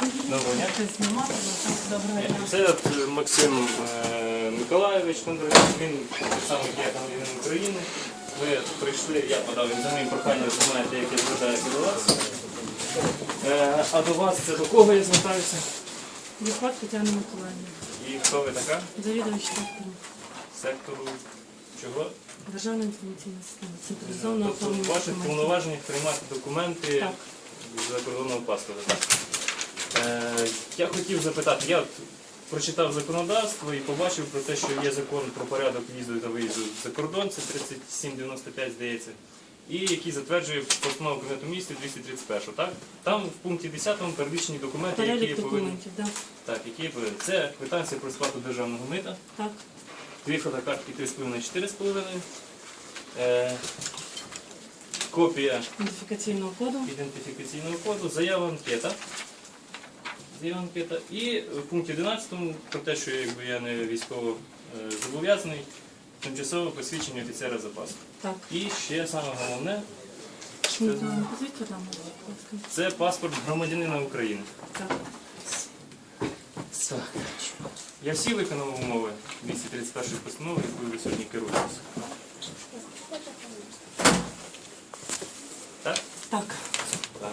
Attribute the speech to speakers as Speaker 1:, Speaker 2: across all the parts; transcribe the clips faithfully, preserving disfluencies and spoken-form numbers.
Speaker 1: Доброго дня.
Speaker 2: Доброго дня.
Speaker 1: Це от Максим е, Миколайович Кондратюк, він так само як я громадянин України. Ви прийшли, я подав іноземне прохання, ви знаєте, яке звертається до вас. Е, а до вас це до кого я звертаюся?
Speaker 2: Виходь Тетяна Миколаївна.
Speaker 1: І хто ви така?
Speaker 2: Завідувач сектору.
Speaker 1: Сектору чого?
Speaker 2: Державна інформаційна система. Централізована
Speaker 1: Тобто
Speaker 2: оформлення
Speaker 1: в ваших
Speaker 2: документів.
Speaker 1: повноваженнях приймати документи
Speaker 2: Так.
Speaker 1: з закордонного паспорта. Е, я хотів запитати, я от прочитав законодавство і побачив про те, що є закон про порядок в'їзду та виїзду за кордон, це тридцять сім дев'яносто п'ять, здається, і який затверджує постанову Кабінету Міністрів двісті тридцять першу. Так? Там в пункті десятому перелічені документи, які
Speaker 2: Перелік
Speaker 1: є повинні.
Speaker 2: документів, так.
Speaker 1: Так, які є повинні. Це квитанція про сплату державного мита,
Speaker 2: Так.
Speaker 1: дві фотокартки три з половиною - чотири з половиною, е, копія
Speaker 2: Ідентифікаційного коду.
Speaker 1: ідентифікаційного коду, заява анкета. Заява анкета. І в пункті одинадцятому про те, що якби, я не військово е, зобов'язаний, тимчасове посвідчення офіцера запасу.
Speaker 2: Так.
Speaker 1: І ще саме головне,
Speaker 2: Ну, то не позвіть там, будь ласка.
Speaker 1: це паспорт громадянина України.
Speaker 2: Так.
Speaker 1: Так. Я всі виконав умови двісті тридцять першої постанови, якою ви сьогодні керуєтеся. Так?
Speaker 2: Так.
Speaker 1: Так.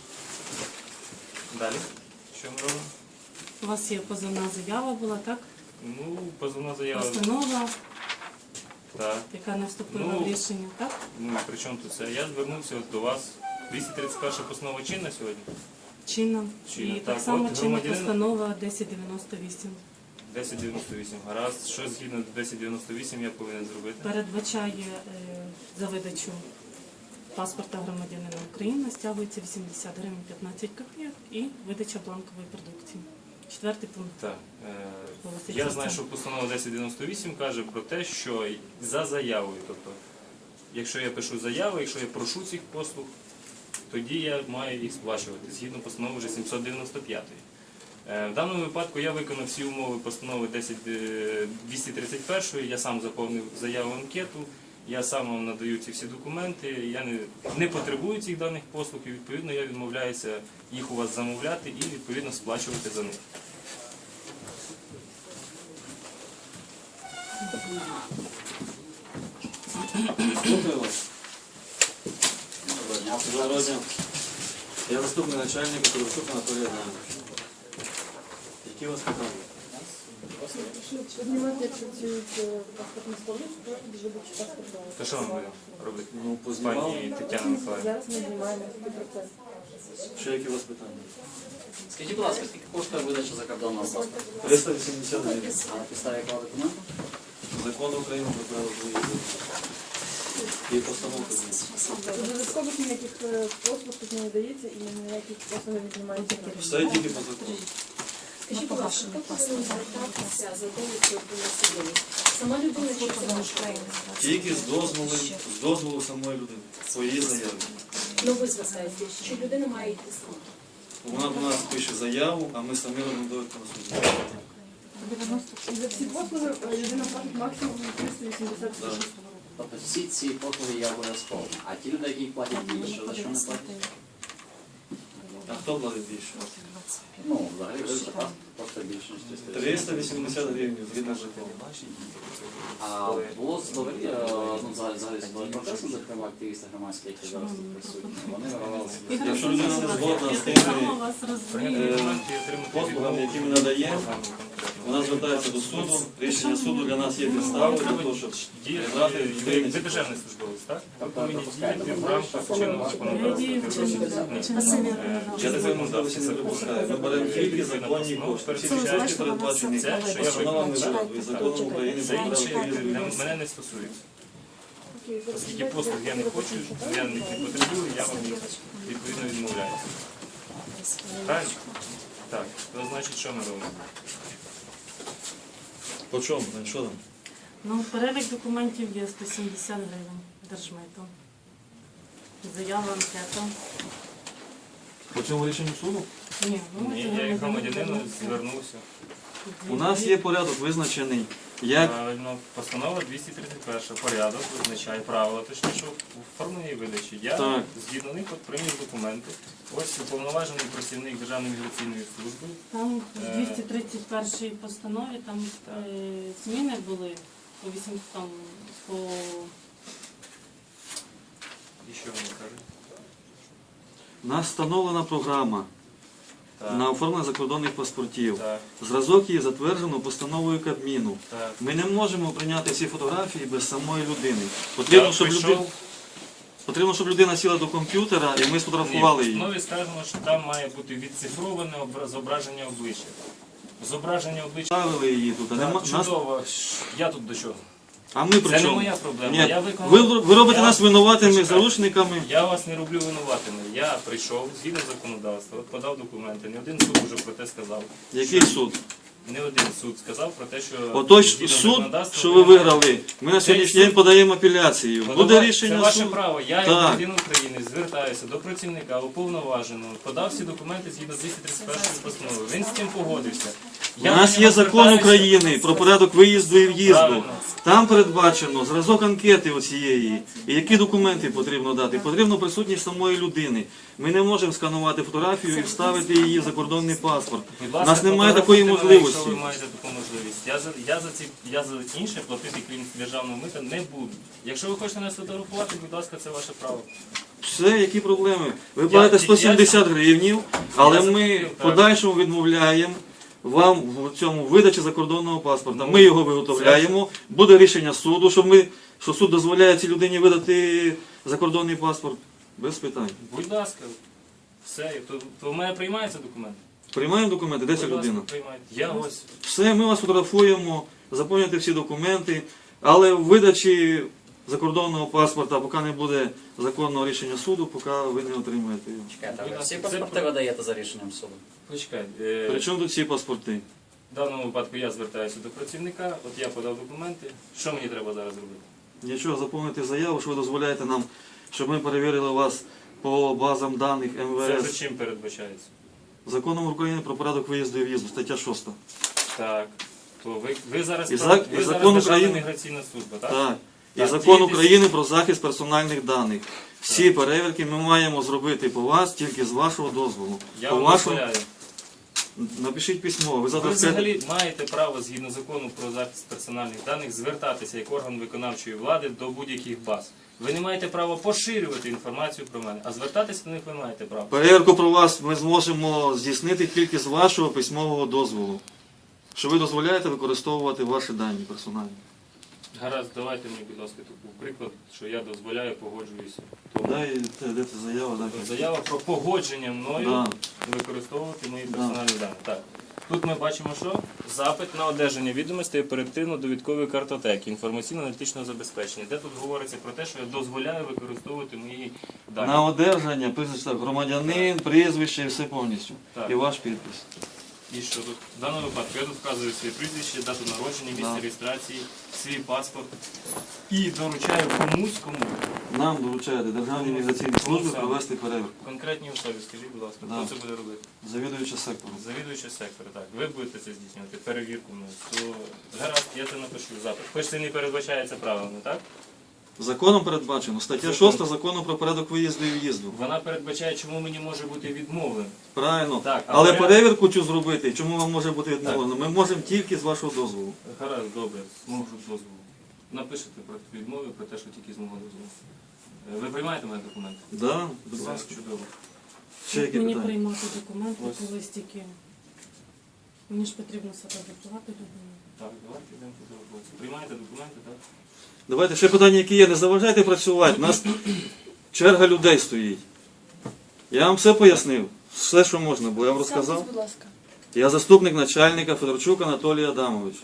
Speaker 1: Далі. Що ми робимо?
Speaker 2: У вас є позовна заява була, так?
Speaker 1: Ну, позовна заява.
Speaker 2: Постанова,
Speaker 1: Так.
Speaker 2: яка не вступила
Speaker 1: Ну,
Speaker 2: в рішення, так?
Speaker 1: Ну, при чому тут це? Я звернувся от до вас. двісті тридцять перша постанова чинна сьогодні?
Speaker 2: Чинна.
Speaker 1: Чинна.
Speaker 2: І
Speaker 1: Так,
Speaker 2: так само
Speaker 1: от
Speaker 2: чинна
Speaker 1: громадянин-
Speaker 2: постанова десять дев'яносто вісім.
Speaker 1: десять дев'яносто вісім. Гаразд. Що згідно десять дев'яносто вісім я повинен зробити?
Speaker 2: Передбачає е, за видачу паспорта громадянина України, стягується вісімдесят гривень п'ятнадцять копійок і видача бланкової продукції. Четвертий пункт.
Speaker 1: Так. Е,
Speaker 2: Голосить
Speaker 1: я
Speaker 2: за
Speaker 1: знаю,
Speaker 2: це.
Speaker 1: що постанова десять дев'яносто вісім каже про те, що за заявою, тобто, якщо я пишу заяву, якщо я прошу цих послуг, тоді я маю їх сплачувати, згідно постанови вже сімсот дев'яносто п'ятої. Е, В даному випадку я виконав всі умови постанови двісті тридцять першої, я сам заповнив заяву анкету, я сам вам надаю ці всі документи, я не, не потребую цих даних послуг і відповідно я відмовляюся їх у вас замовляти і відповідно сплачувати за них.
Speaker 3: Слухаю вас. Доброго дня. Я заступник начальника Коровчук Анатолій Іванович. Які у вас питання?
Speaker 4: Поднимать чуть-чуть паспортный столик, чтобы видачи паспорта.
Speaker 1: То що ми будемо робити?
Speaker 3: Ну, познімав.
Speaker 1: Пані Тетяна Миколаївна.
Speaker 4: Зараз ми знімаємо цей процес.
Speaker 3: Ще які у вас питання?
Speaker 5: Скажіть, будь ласка, скільки коштує видача закордонного паспорта?
Speaker 3: триста вісімдесят гривень.
Speaker 5: А на підставі якого документу?
Speaker 3: Закон України про право виїзду. І постановка.
Speaker 4: Додаткових ніяких е, послуг тут не надається і ніяких послуг не віднімається.
Speaker 3: Все тільки по закону.
Speaker 4: Скажіть, будь ласка, хто повинен звертатися за довідкою про населення? Сама людина чи це ваш країн?
Speaker 3: Тільки з дозволу, з дозволу самої людини. Свої заяви.
Speaker 4: Ну ви звертаєтесь, чи людина має йти сама?
Speaker 3: Вона до нас пише заяву, а ми самі робимо довідку на суді.
Speaker 4: За всі послуги е, людина платить максимум триста вісімдесят гривень.
Speaker 5: Тобто всі ці послуги є обов'язково. А ті люди, які платять більше, за що не платять?
Speaker 3: А хто платить більше?
Speaker 5: Ну, взагалі видача паспорта коштує більше, ніж триста вісімдесят.
Speaker 3: триста вісімдесят гривень, згідно закону.
Speaker 5: А було судові, е, ну, взагалі, взагалі судові процеси, зокрема активісти громадські, які зараз тут присутні. Вони виявилися.
Speaker 3: Якщо людина не згодна з
Speaker 2: Я
Speaker 3: тими
Speaker 2: сама вас розумію.
Speaker 3: послугами, які ми надаємо, вона звертається до суду. Рішення суду для нас є підставою для того, щоб прибрати
Speaker 1: Ви
Speaker 3: людину.
Speaker 1: державний службовець, так? Ви
Speaker 5: Тобто
Speaker 1: повинні
Speaker 5: допускаєте
Speaker 1: діяти в рамках чинного
Speaker 2: Я дію в
Speaker 1: законодавства.
Speaker 2: чинному чинному.
Speaker 3: Я такої можливості не допускаю. Ми беремо тільки законні кошти. Всі кошти передбачені
Speaker 1: Це, що я
Speaker 3: постановами
Speaker 1: виконую,
Speaker 3: вироду і законом України
Speaker 1: це
Speaker 3: про
Speaker 1: інше
Speaker 3: право
Speaker 1: для
Speaker 3: виїзду.
Speaker 1: мене не стосується.
Speaker 4: Окей, зараз
Speaker 1: Оскільки
Speaker 4: давайте
Speaker 1: послуг я не хочу,
Speaker 4: запишемо,
Speaker 1: я
Speaker 4: так?
Speaker 1: їх не потребую, я вам їх відповідно відмовляюся. Правильно? Так, то значить, що ми робимо?
Speaker 3: По чому? Що там?
Speaker 2: Ну, перелік документів є сто сімдесят гривень держмитом. Заява анкета.
Speaker 3: По цьому рішенню суду?
Speaker 2: Ні, ну
Speaker 1: Ні,
Speaker 2: це
Speaker 1: я як
Speaker 2: громадянин
Speaker 1: громадянин
Speaker 2: звернувся.
Speaker 1: звернувся.
Speaker 3: У нас є порядок визначений, як
Speaker 1: Правильно, постанова двісті тридцять перша. Порядок визначає правила, точніше, оформлення і видачі. Я
Speaker 3: Так.
Speaker 1: згідно них от прийняв документи. Ось уповноважений працівник Державної міграційної служби.
Speaker 2: Там в
Speaker 1: Е.
Speaker 2: двісті тридцять першій постанові там е, зміни були по вісім там по
Speaker 1: І що вони кажуть?
Speaker 3: у нас встановлена програма
Speaker 1: Так,
Speaker 3: на оформлення закордонних паспортів.
Speaker 1: так,
Speaker 3: Зразок її затверджено постановою Кабміну.
Speaker 1: так.
Speaker 3: Ми не можемо прийняти ці фотографії без самої людини.
Speaker 1: Я
Speaker 3: Потрібно, щоб,
Speaker 1: прийшов,
Speaker 3: люди... Потрібно, щоб людина сіла до комп'ютера і ми
Speaker 1: ні,
Speaker 3: сфотографували
Speaker 1: в
Speaker 3: її.
Speaker 1: основі сказано, що там має бути відцифроване обра- зображення обличчя. Зображення обличчя.
Speaker 3: Ставили її тут. А,
Speaker 1: Так,
Speaker 3: нема... нас...
Speaker 1: чудово. Я тут до чого?
Speaker 3: а ми
Speaker 1: Це
Speaker 3: при
Speaker 1: не
Speaker 3: чому?
Speaker 1: моя проблема.
Speaker 3: Ні.
Speaker 1: Я виконав...
Speaker 3: Ви, ви робите
Speaker 1: Я-
Speaker 3: нас винуватими,
Speaker 1: Почекайте.
Speaker 3: заручниками.
Speaker 1: Я вас не роблю винуватими. Я прийшов згідно законодавства, от подав документи. Не один суд вже про те сказав.
Speaker 3: Який суд?
Speaker 1: Не один суд сказав про те, що
Speaker 3: Отой
Speaker 1: згідно
Speaker 3: суд,
Speaker 1: законодавства
Speaker 3: що ви
Speaker 1: ви маєте-
Speaker 3: виграли, ми на сьогоднішній
Speaker 1: суд-
Speaker 3: день подаємо апеляцію.
Speaker 1: Ну,
Speaker 3: Буде
Speaker 1: давай,
Speaker 3: рішення
Speaker 1: це ваше
Speaker 3: суду.
Speaker 1: право. Я, як
Speaker 3: Так.
Speaker 1: громадянин України, звертаюся до працівника уповноваженого, подав всі документи згідно двісті тридцять першої постанови. Він з цим погодився.
Speaker 3: У нас є закон України про порядок виїзду і в'їзду.
Speaker 1: Правильно.
Speaker 3: Там передбачено зразок анкети оцієї. І які документи потрібно дати? Потрібно присутність самої людини. Ми не можемо сканувати фотографію і вставити її в закордонний паспорт.
Speaker 1: Будь
Speaker 3: У
Speaker 1: ласка,
Speaker 3: нас немає такої
Speaker 1: фотографуйте мене,
Speaker 3: можливості.
Speaker 1: Якщо ви маєте таку можливість. Я за, я за, ці, я за інше платити, крім державного мита, не буду. Якщо ви хочете нас фотографувати, будь ласка, це ваше право.
Speaker 3: Все, які проблеми? Ви платите
Speaker 1: я-
Speaker 3: сто сімдесят гривнів, але
Speaker 1: Я
Speaker 3: ми
Speaker 1: заплатив,
Speaker 3: в
Speaker 1: так.
Speaker 3: подальшому відмовляємо вам в цьому видачі закордонного паспорта. Ми його виготовляємо, буде рішення суду, що, ми, що суд дозволяє цій людині видати закордонний паспорт. Без питань.
Speaker 1: Будь ласка, все. То, то в мене приймається документ?
Speaker 3: Приймаємо документи, де ця
Speaker 1: Будь ласка,
Speaker 3: людина?
Speaker 1: приймайте. Я ось.
Speaker 3: Все, ми вас фотографуємо, заповнюєте всі документи, але в видачі закордонного паспорта, поки не буде законного рішення суду, поки ви не отримаєте його.
Speaker 5: Чекайте, а ви
Speaker 1: Будь
Speaker 5: всі
Speaker 1: ласка, це
Speaker 5: паспорти
Speaker 1: про-
Speaker 5: видаєте за рішенням суду?
Speaker 1: Почекай. Е,
Speaker 3: Причому тут ці паспорти?
Speaker 1: в даному випадку я звертаюся до працівника, от я подав документи. Що мені треба зараз робити?
Speaker 3: Нічого, заповнити заяву, що ви дозволяєте нам, щоб ми перевірили вас по базам даних
Speaker 1: Це вже
Speaker 3: ем ве ес.
Speaker 1: чим передбачається?
Speaker 3: Законом України про порядок виїзду і в'їзду, стаття шоста.
Speaker 1: Так. То ви, ви зараз,
Speaker 3: І
Speaker 1: прав-
Speaker 3: зак-
Speaker 1: ви
Speaker 3: і
Speaker 1: зараз
Speaker 3: закон
Speaker 1: Державна
Speaker 3: України-
Speaker 1: міграційна служба, так?
Speaker 3: Так. І
Speaker 1: Так,
Speaker 3: закон
Speaker 1: діти-
Speaker 3: України про захист персональних даних. Всі перевірки ми маємо зробити по вас тільки з вашого дозволу.
Speaker 1: Я
Speaker 3: По
Speaker 1: вам
Speaker 3: вашому...
Speaker 1: дозволяю.
Speaker 3: Напишіть письмо. Ви
Speaker 1: Ви
Speaker 3: завтра скажете...
Speaker 1: взагалі маєте право, згідно закону про захист персональних даних, звертатися як орган виконавчої влади до будь-яких баз. Ви не маєте права поширювати інформацію про мене, а звертатися до них ви маєте право.
Speaker 3: Перевірку про вас ми зможемо здійснити тільки з вашого письмового дозволу. Що ви дозволяєте використовувати ваші дані персональні.
Speaker 1: Гаразд, давайте мені, будь ласка, такий приклад, що я дозволяю, погоджуюся. Тому
Speaker 3: Дай, де це заява, дай.
Speaker 1: заява про погодження мною
Speaker 3: Да.
Speaker 1: використовувати мої персональні дані. Так. Тут ми бачимо, що запит на одержання відомостей оперативно-довідкової картотеки, інформаційно-аналітичного забезпечення, де тут говориться про те, що я дозволяю використовувати мої дані.
Speaker 3: На одержання, прізвище так, громадянин, прізвище і все повністю.
Speaker 1: Так.
Speaker 3: І ваш підпис.
Speaker 1: І що тут? В даному випадку я тут вказую своє прізвище, дату народження, місце
Speaker 3: Да.
Speaker 1: реєстрації, свій паспорт і доручаю комусь, кому.
Speaker 3: Нам доручаєте Державній міграційній службі
Speaker 1: саме?
Speaker 3: провести перевірку.
Speaker 1: Конкретній особі, скажіть, будь ласка,
Speaker 3: Да.
Speaker 1: хто це буде робити?
Speaker 3: Завідуючи сектором.
Speaker 1: Завідуючий сектор, так. Ви будете це здійснювати, перевірку мною. То гаразд, я це напишу в запит. Хоч це не передбачається правилами, так?
Speaker 3: Законом передбачено. Стаття
Speaker 1: Закон.
Speaker 3: шоста закону про порядок виїзду і в'їзду.
Speaker 1: Вона передбачає, чому мені може бути відмовлено.
Speaker 3: Правильно.
Speaker 1: Так,
Speaker 3: але
Speaker 1: але-
Speaker 3: перевірку цю зробити, чому вам може бути відмовлено? Ми можемо тільки з вашого дозволу.
Speaker 1: Гаразд, добре, зможу дозволу. Напишете про відмови, про те, що тільки з мого дозволу. Е, Ви приймаєте мене документи?
Speaker 3: Да, будь
Speaker 1: Все,
Speaker 3: ласка.
Speaker 1: чудово.
Speaker 3: Ще які
Speaker 2: мені
Speaker 3: питання?
Speaker 2: приймати документи,
Speaker 1: Ось.
Speaker 2: коли стільки. Мені ж потрібно сфотографувати людину.
Speaker 1: Так, давайте йдемо фотографуватися. Приймаєте документи, так?
Speaker 3: Давайте ще питання, які є. Не заважайте працювати. У нас черга людей стоїть. Я вам все пояснив. Все, що можна було. Я вам розказав.
Speaker 4: Будь ласка.
Speaker 3: Я заступник начальника Федорчук Анатолій Адамович.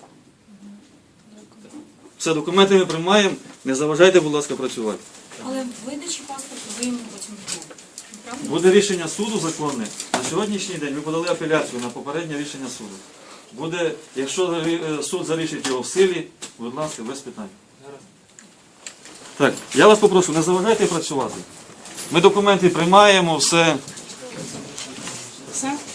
Speaker 3: Все, документи ми приймаємо. Не заважайте, будь ласка, працювати.
Speaker 6: Але видачі паспорту ви йому потім відмовите. Правда?
Speaker 3: Буде рішення суду законне. На сьогоднішній день ми подали апеляцію на попереднє рішення суду. Буде, якщо е, суд залишить його в силі, будь ласка, без питань.
Speaker 1: Гаразд.
Speaker 3: Так, я вас попрошу, не заважайте працювати. Ми документи приймаємо, все.
Speaker 2: Все?